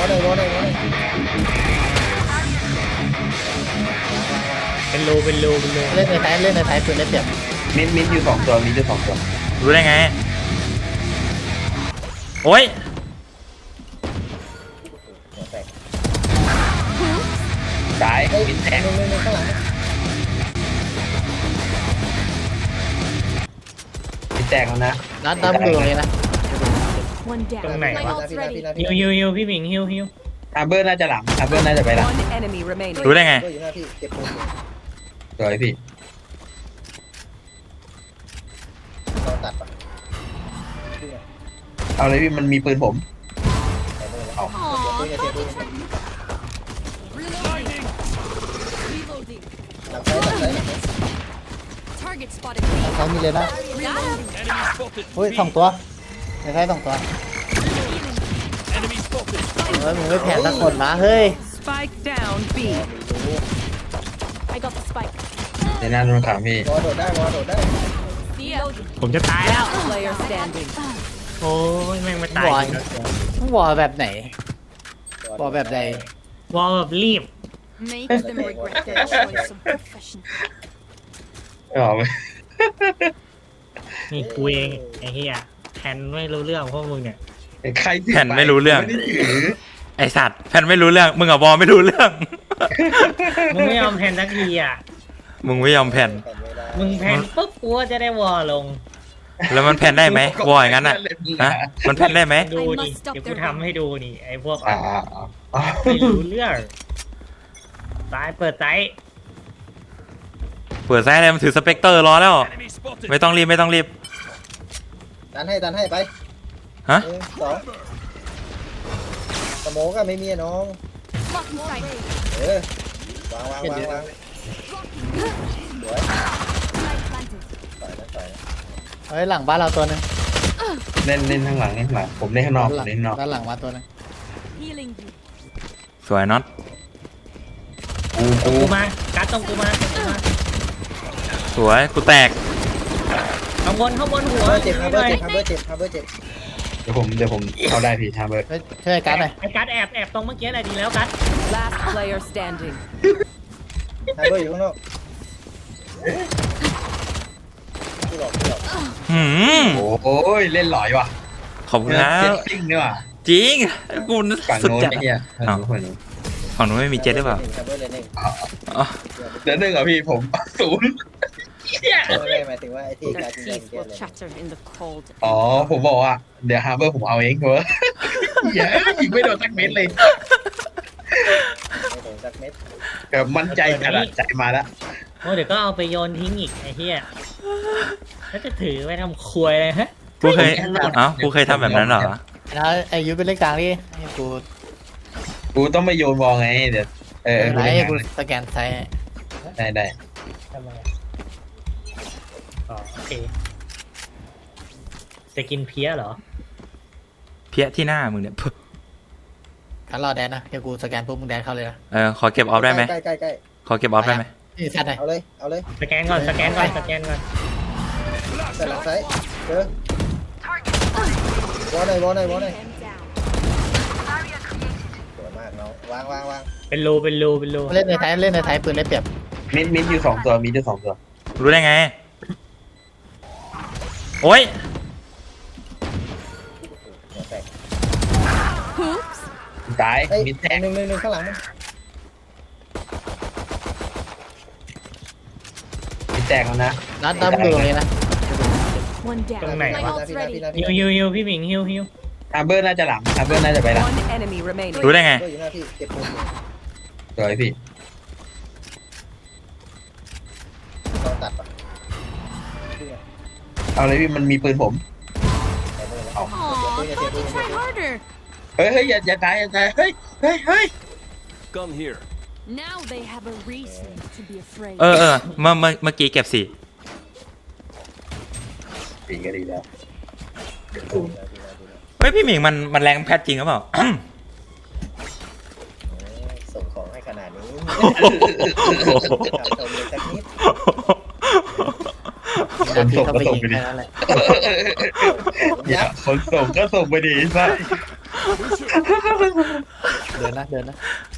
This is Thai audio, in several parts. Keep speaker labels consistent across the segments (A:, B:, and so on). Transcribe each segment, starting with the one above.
A: เป็นรูเล่นในไทยปืนได้เปรียบ
B: มิดอยู่สองตัวมิดอยู่สองตัว
C: รู้ได้ไงโอ้ย
B: ตายมิดแทง
A: หนึ่งข้างหลัง
B: มิดแตกแล้วนะ
A: นัดดูตรงนี้นะ
D: One down.
A: ตรงไหน
D: My
A: วะ
D: ult's ready.
A: ฮิวพี่หมิงฮิว
B: ฮาร์เบอร์น่าจะหลังฮาร์เบอร์น่าจะไปหลัง
E: One enemy remaining.
C: รู้ได้ไง
A: อยู่หน้าพี่เก็บปืน
B: สวยพี่
A: เราตัดปะ
B: เอาเลยพี่มันมีปืนผม
D: Aw, Reloading. Reloading.
A: หลังซ้าย
D: Target spotted.
A: เขามีเลยนะ
D: Reloading.
A: เฮ้ยสองตัวในไทยสองตัวมึงไม่แผ่สักคนนะเฮ้ย
E: Spike down B.
D: I got the spike.
B: ในหน้าโดนขังพี่
A: วอโดดได้
D: Reloading.
A: ผมจะตายแล้ว
E: Last player standing.
A: โอ้ยแม่งไม่ตายวอแบบไหนวอแบบใดวอแบบรีบ
D: Make them regret their choice of profession.
B: ไม่ออกไหม
A: นี่กูเองไอ้เหี้ยแทนไม่รู้เรื่องพวกมึงเนี่ย
B: ใครถือ
C: แผ่นไม่รู้เรื่อง
B: ไม่ได้ถือ
C: ไอสัตว์แผ่นไม่รู้เรื่องมึงกับบอลไม่รู้เรื่อง
A: มึงไม่ยอมแทนสักทีอ่ะ
C: มึงไม่ยอมแผ่น
A: มึงแทนปุ๊บกูก็จะได้วอลง
C: แล้วมันแผ่นได้ไหมวอลอย่างนั้นอ่ะฮะมันแผ่นได้ไหม
A: ดูดิเดี๋ยวกูทำให้ดูนี่ไอ้พวก
B: อ่า
A: ไม่รู้เรื่องตายเปิดไซส์
C: เปิดไซส์เลยมันถือสเปกเตอร์รอแล้วไม่ต้องรีบ
A: ดันให้ไป
C: ฮะ
A: สองสโมก็ไม่มีน้อง
D: Blocking sight.
A: วางสวย
D: Light planted.
A: เฮ้ยหลังบ้านเราตัวนึง
B: เล่นข้างหลังผมเล่นข้างนอกผมเล่นข้างนอก
A: ด้านหลังมาตัวนึง
D: Healing you.
C: สวยน็อต
B: กู
A: กูมากัดตรงกูมา
C: สวยกูแตก
A: ข้างบนหัวเจ็บเจ็บ
B: เดี๋ยวผมเข้าได้พี่ฮาร์เบอร์
A: ช่วยกัดหน่อยไอ้กัดแอบตรงเมื่อกี้อะไรดีแล้วกัด
E: Last player standing.
A: ไอ้เบอร์อยู่ข้างนอก
C: หืม
B: โอ้ยเล่นหลอยว่ะ
C: ขอบคุณครั
B: เจ็
C: บ
B: ตติ้งด้วยว่ะ
C: จริงกู
B: ฝั่ง
C: สุด
B: โน้น
C: จัด
B: ไอ้เหี้ยฝั่งโน้น
C: ฝั่งนู้นไม่มีเจ็ตหรือเปล่าอ๋อ
B: เดี๋ยวหนึ่งอ่ะพี่ผมศูนย์
A: หมายถึงว่าไอ้ที่
E: Their
A: การ
E: teeth will chatter in the cold.
B: อ๋อผมบอกว่าเดี๋ยวฮาร์เบอร์ผมเอาเองเถอะเย้ยิงไม่โดนสักเม็ดเลยแบบมั่นใจขนาดใจมาแล้ว
A: โอ้เดี๋ยวก็เอาไปโยนทิ้งอีกไอ้เหี้ยแล้วจะถือไปทำควยเลยฮะ
C: กูเคยกูเคยทำแบบนั้นเหรอ
A: แล้วไอ้ยุเป็นเลขกลางดิให้กู
B: กูต้องไม่โยนบอลไงเดี๋ยว
A: ไหน
B: กูเล่น
A: ให้
B: งาน
A: กูสแกนไซส์
B: ได้
A: ทำไมอ๋อโอเคจะกินเพี้ยเหรอ
C: เพี้ยที่หน้ามึงเนี่ย
A: งั้นรอแดนนะเดี๋ยวกูสแกนปุ๊บมึงแดนเข้าเลยนะ
C: ขอเก็บออฟได้ไหม
A: ใกล้
C: ขอเก็บออฟได้ไหม
A: นี่แซดหน่อยเอาเลยสแกนก่อนแซดหลังไซส์เจอวอลหน่อย
D: Him down.
A: สวยมากน้องวางเป็นรูเล่นในไทยปืนได้เปรียบ
B: มิดอยู่สองตัวมิดอยู่สองตัว
C: รู้ได้ไงโอ้ย
D: Hoops.
B: ตายมิดแทง
A: หนึ่งข้างหลัง
B: มิดแตกแล้วนะ
A: นัดดูตรงนี้นะ
D: One down.
A: ตรงไหน
D: My
A: วะ
D: ult's ready.
A: ฮิวพี่หมิงฮิว
B: ฮาร์เบอร์น่าจะหลังฮาร์เบอร์น่าจะไปหลัง
E: One enemy remaining.
C: รู้ได้ไง
A: อยู่หน้าพี่เก็บปืน
B: สวยพี่
A: เราตัดปะ
B: เอาเลยพี่มันมีปืนผม
D: Aw, try harder.
B: เฮ้ยอย่าตายเฮ้ย
F: Gun here.
D: Now they have a reason to be afraid.
C: เมื่อกี้เก็บสี่
B: ดีก็ดีแล้ว
C: เฮ้ยพี่หมิงมันแรงแพทจริงหรือเปล่า
A: ส่งของให้ขนาดนี้
B: คนส่งก็ส่งไปดิอย่าคนส่งก็ส่งไปดิใช่
A: เดินนะเดินนะ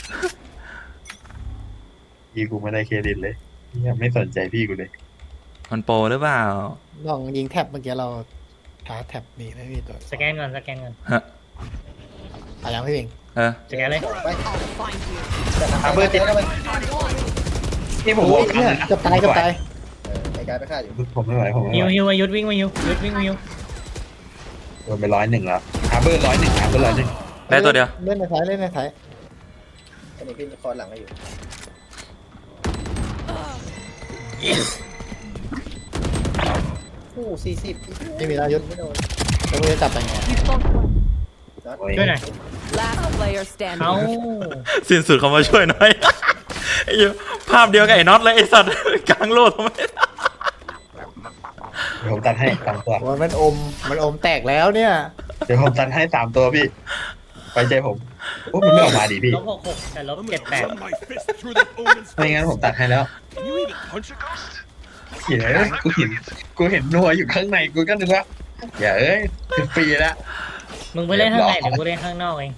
B: พี่กูไม่ได้เครดิตเลยยังไม่สนใจพี่กูเลย
C: มันโปรหรือเปล่า
A: ลองยิงแท็บเมื่อกี้เราหาแท็บมีไหมพี่ตัว
F: สแกนก่อนสแกนก่อน
C: ฮะ
A: เอายังพี่เอง
C: เออ
F: สแกนเลย
G: ไป
E: Find you.
B: ฮาร์เบอร์ติด
G: แล้วมัน
B: นี่ผม
A: โอ้
B: บอย ก
A: เนี่ยเกับตายเกับตาย
G: ไอ้การไปฆ่าอยู่
B: ผมไม่ไหวผมไม่
F: ฮิ
B: ไห
F: ว
B: ว
F: ฮิวมายุดวิ่งมายุดวิ่งมายุ
B: โดนไป101แล้วฮาร์เบอร์101ฮาร์เบอร์101
C: ได้ตัวเดียว
A: เล่นในท้ายเล่นในท้าย
G: อันนี้พี่คอนหลังให้อยู่ผู้40
A: ไม่มีแล้วยุทธ
G: ไม่โดน
A: แล้วมึงจะจับไปไง
D: You fought well.
G: น็อต
F: ช่วยหน่อย
E: Last player
F: เอา
E: standing.
C: สิ้นสุดเขามาช่วยหน่อย ไอ้เหี้ยภาพเดียวกับไอ้น็อตเลยไอ้สัตว์ กลางโลกทำไม
B: เดี๋ยวผมตัดให้3ตัว
A: โอ้ยมันอมแตกแล้วเนี่ย
B: เดี๋ยวผมตัดให้3ตัวพี่ไว้ใจผมโอ้มันไม่ออกมาดิพี่
F: ลบ66แต่ลบ78
H: Run my fist through that omen's
B: ไม่งั้นผมตัดให้แล้ว
H: Can you even punch a ghost?
B: เหี้ยกูเห็นนัวอยู่ข้างในกูก็นึกว่าอย่าเอ้ยฟรีแล้ว
F: มึงไปเล่นข้างในเดี๋ยวกูเล่นข้างนอกเอง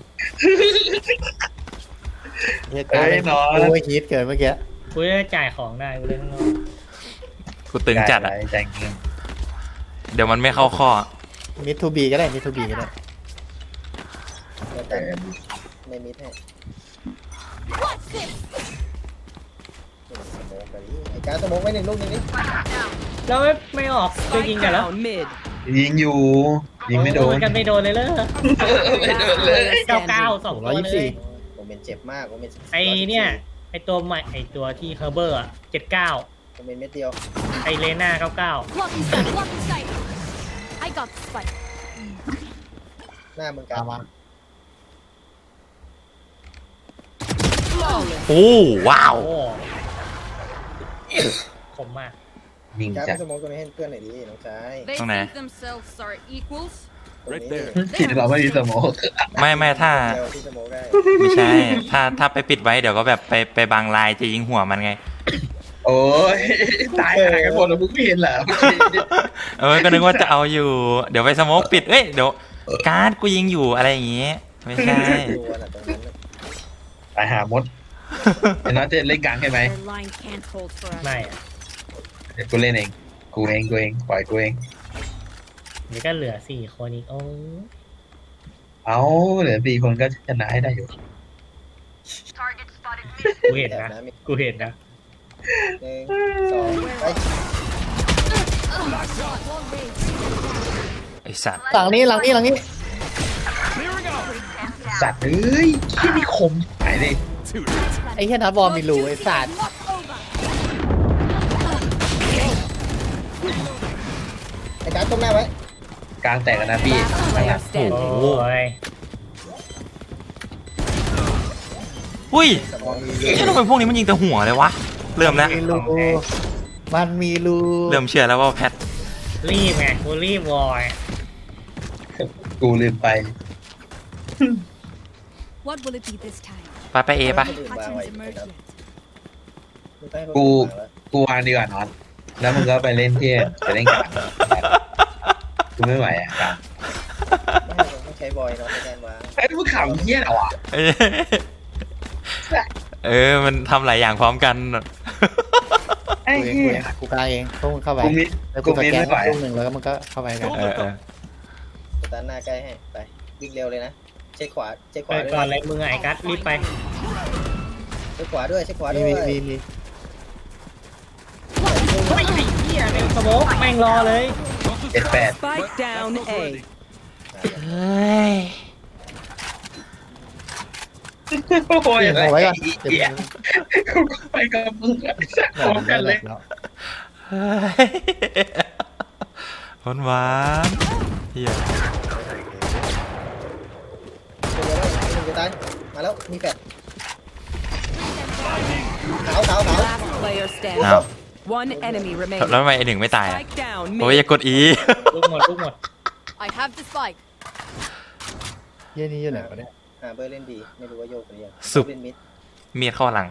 A: เหตุการณ์โอ้ยฮีทเกิดเมื่อกี้
F: กูจะจ่ายของได้กูเล่นข้างนอก
C: กูตึงจัดอ่ะ
B: ใจเงิน
C: เดี๋ยวมันไม่เข้าข้อ
A: มิดทูบีก็ได้มิดทูบีก็ได้
G: เดี๋ยวกันในมิดให้
D: What's this?
G: สโมกไปดิไอ้การสโมกไว้1 ลูกนึงนี่
F: แล้วไม่ออกจะยิง
E: Spike
F: กันแล้ว
E: down mid.
B: ยิงอยู่ยิงไม่โดน
F: กันไม่โดนเลยเลย
B: ไม่โดนเลย
F: 99 2ตัวเลย
G: ผมเป็นเจ็บมากผมเป็น
F: ไอเนี่ยไอตัวใหม่ไอตัวที่เฮอร์เบอร์อ่ะ79
G: ผมเป็นเม็ดเดียว
F: ไอเลน่า99
D: Blocking sight. Blocking sight. I got the spike.
G: หน้ามึงกา
A: ตาร มมา
C: โอ้ว้าว
F: โอ้คมมาก
B: ยิง
G: การ
B: จั
G: ไป
B: ด
G: สโมกตัวนี้ให้เพื่อนหน่อยดิน้องชาย
D: They
C: Không nè.
D: think themselves are equals.
H: Right there.
B: ผิดเราไม่มีสโมก
C: ไม่ถ้า
G: เดียวที่สโมกได้
C: ไม่ใช่ ถ้าไปปิดไว้เดี๋ยวก็แบบไปบังลายจะยิงหัวมันไง
B: โอ้ยตายหากันหมดแล้วมึงไม่เห็นเหรอ
C: เออ ก็นึกว่าจะเอาอยู่ เดี๋ยวไปสโมกปิด เอ้ย เดี๋ยวการ์ดกูยิงอยู่อะไรอย่างงี้ ไม่ใช่
G: ตัวน่ะตรงนั้นน่ะ
B: ตายหามดไอ้น้อยจะเล่นกลางใช่ไหม
D: Their line can't hold for us.
F: ไม่อะ
B: เดี๋ยวกูเล่นเองกูเองปล่อยกูเอง
F: เดี๋ยวก็เหลือ4 คนอีกโอ้
B: เอาเหลือ4 คนก็ชนะให้ได้อยู่
F: กูเห็น
G: แอบ
F: นะ
G: นะมี
F: กูเห็นนะ
G: 1 2ไป
C: ไอสัตว์
A: หลังนี้
B: สัตว์เอ้ยที่นี่คมหายเลย
A: ไอ้เหี้ยนัดบอลมีรูไอ้สัตว์
D: Lock over.
G: ไอ้การต้มหน้าไว้
B: กลางแตกกันนะพี่
E: Last player
F: โอ้
E: standing.
F: ย
C: อุ้ย
G: สโมก
C: เอ๊ะทำไมพวกนี้มันยิงแต่หัวเลยวะ เริ่มแล้ว
A: มีรูมันมีรู
C: เริ่มเชื่อแล้วว่าแพท
F: รีบไงกูรีบวอย
B: กูลืมไป
D: What will it be this time?
C: ไปเอปะ
D: Patterns emerge yet.
B: กูวางดีกว่านอนแล้วมึงก็ไปเล่นที่ไปเล่นกลางกูไม่ไหวอ่ะกลาง
G: ต้องใช้บอยเนาะในการวาง
B: ไอ้มึงขำเหี้ยเหรอวะ
C: เออ มันทำหลายอย่างพร้อมกัน
B: ไอ้
A: กูเอง
B: เหี้ย
A: กูกลางเองพวกมึงเข้าไป
B: กูมิด
A: แล้ว
B: กู
A: กูส
B: มิด
A: แกน
B: ไม่ไหว
A: ลูกหนึ่งแล้วก็มันก็เข้าไปกัน
C: เออ
G: สตาร์ทหน้าใกล้ให้ไปวิ่งเร็วเลยนะเช็คขวาเช็คข
F: ไป
G: วาด้วย
F: ก่อนเลยมึงไอ้กัสรีบไป
G: เช็คขวาด้วยเช็คขวา
A: มี
G: ด้วย
A: มี
F: เฮ้ยไอ้เหี้ยเป็นสโมกแม่งรอเลย
B: 78
E: Spike down A.
C: เฮ้ย
B: โอ้ย
A: เปลี่ยน
B: อะไร
A: เอาไว้ก่อน
B: เหี้ยกูก็ไปกับมึงอะพร้อมกันเลย
C: เฮ้ยหวานๆเฮีย
G: จะตายมาแล้วมีแฟดขาว
E: Last player
C: อ้าว
E: standing. One enemy
C: แล้ว
E: remaining.
C: ทำไมไอหนึ่งไม่ตายอ่ะ
E: Spike down
C: โอ้ย
E: mid.
C: อย่ากดอี
F: ลูกหมดลูกหมด
D: I have the spike.
A: เหี้ยนี่อยู่ไหนวะเนี่ย
G: เบอร์เล่นดีไม่รู้ว่าโยกหรือยัง
C: สุด
G: เล่นมิด
C: มีดเข้าหลัง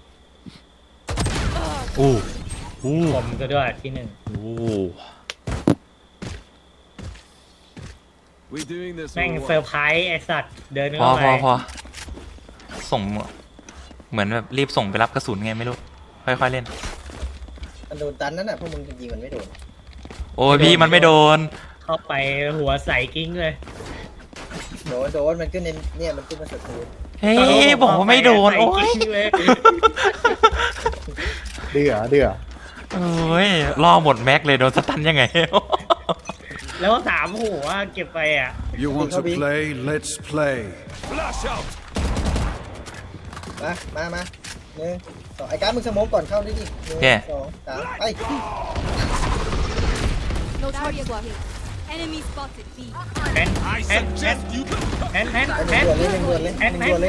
C: อู้อู้
F: ผมก็ด้วยที่หนึ่ง
C: อู้
H: We doing this
F: แม่ง
H: or
F: เซอ
H: what?
F: ร์ไพรส์ไอ้สัตว์เดิน
C: พอ
F: เข้าไป
C: พอส่งเหมือนแบบรีบส่งไปรับกระสุนไงไม่รู้ค่อยๆเล่น
G: มันโดนตันนั่นน่ะพวกมึงยิงมันไม่โดน
C: โอ้ยพี่มันไม่โดน
F: เข้าไปหัวใส่กิ้งเลย
G: โดนมันขึ้นในเนี่ยมันขึ้นมาสุดพื้น
C: เฮ้ยบอกว่าไม่โดนโอ้ย
F: ใส่กิ้งเลย
A: เดือ
C: โอ้ยล่อหมดแม็กเลยโดนสตันยังไง
F: แล้วถามหัวเก็บไปอ่ะ
H: You want to play? Let's play. Flash out.
G: มาหนึ่งสองไอ้การดมึงสโมกก่อนเข้าได้ดิหนึ่ง
C: โอเค
G: สองสามไป
D: No target blocking. Enemy spotted. B.
F: แฮน
H: I
F: แฮน
H: suggest you go.
F: แฮน
G: ไปหนึ่งด่วนเลยหนึ่งด่วนเลย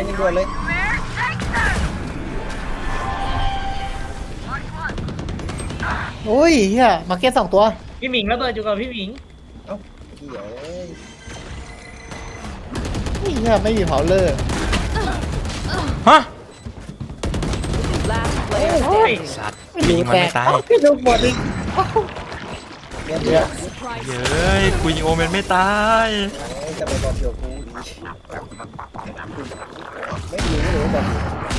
A: โอ้ยเฮียมาร์เก็ต2 ตัว
F: พี่หมิงระเบิดอยู่กับพี่หมิง
G: เอ้าเหี้ยเอ้ย
A: เฮียไม่มีเผาเลอร์
C: ฮะ
E: Last player
F: เฮ้ย
E: standing.
C: สัตว์ยิงมันไม่ตาย
A: พี่ลูกหมดอีก
G: เงี้ย
A: เดี๋ยว
D: Surprise.
C: เย้ยกูยิงโอเมนไม่ตาย
G: จะไปบอกเกี่ยวกูอีกไม่รู้เลยบอก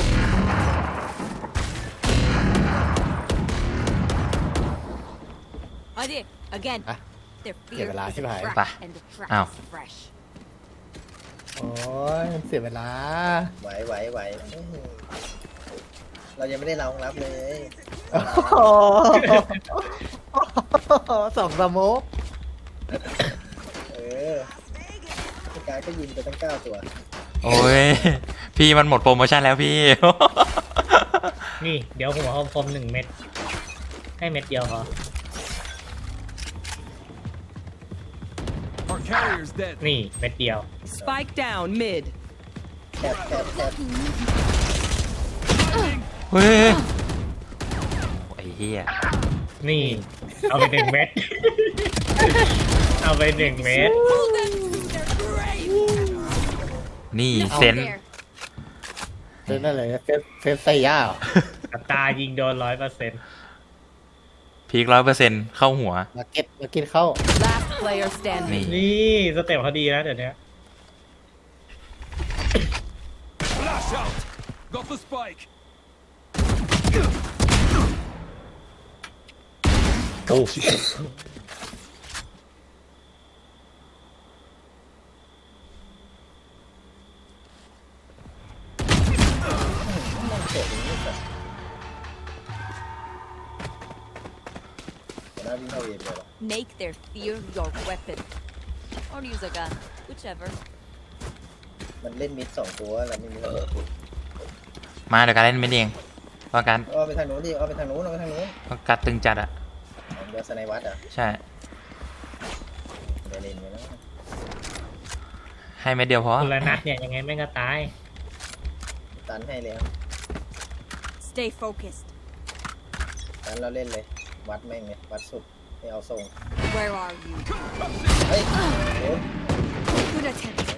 D: Adi, again.
A: Ah.
D: Their
A: Yeah,
D: fear
A: but last
D: is a
A: time I-
D: trap,
C: Bah.
D: and the trap
C: Ow.
D: is fresh.
A: โอ้ยมันเสียเวลา
G: ไหวเรายังไม่ได้รองรับเลย
A: โอ้โห2 สโมก
G: เออพี่การก็ยิงไปตั้ง9 ตัว
C: โอ้ยพี่มันหมดโปรโมชั่นแล้วพี่
F: นี่เดี๋ยวหัวคมๆ1 เม็ดให้เม็ดเดียวพอ
H: Our carrier's dead.
F: นี่เม็ดเดียว
E: Spike down mid.
G: แคบ
C: เฮ้ยไอ้เหี้ย
F: นี่ เอาไป1 เม็ด เอาไป1 เม็ด
D: Pull them to their grave.
C: นี่
D: Nothing
C: เซน
D: there.
A: เซนอะไรเซฟไซย่าเหรอ
F: อัตรายิงโดน 100%
C: พีค100%เข้าหัว
A: มาร์เก็ตเข้า
E: Last player standing.
C: นี่
F: นี่สเต็ปเขาดีนะเดี๋ยวนี้
H: Flash out. Got the spike.
A: โอ้
G: น่าวิ่งเข้าเองเลย
D: Make their fear your weapon. Or use a gun. Whichever.
G: มันเล่นมิด2 ตัวแล้วไม่มีระเบิด
C: มาเดี๋ยวการเล่นไม่เองเพราะการ
G: เอาไปทางโน้นดิเอาไปทางโน้น
C: เพราะการตึงจัดอะ
G: เดี๋ยวสไนวัดอ่ะ
C: ใช่
G: เดี๋ยวเล่นไปแล้ว
C: ให้เม็ดเดียวพอ
F: คนละนัดเนี่ยยังไงแม่งก็ตาย
G: ตันให้แล้ว
D: Stay focused.
G: ตันเราเล่นเลย วัดแม่งเลยวัดสุดไม่เอาทรง
D: Where are you?
G: เฮ้ยโดน
D: Good attempt.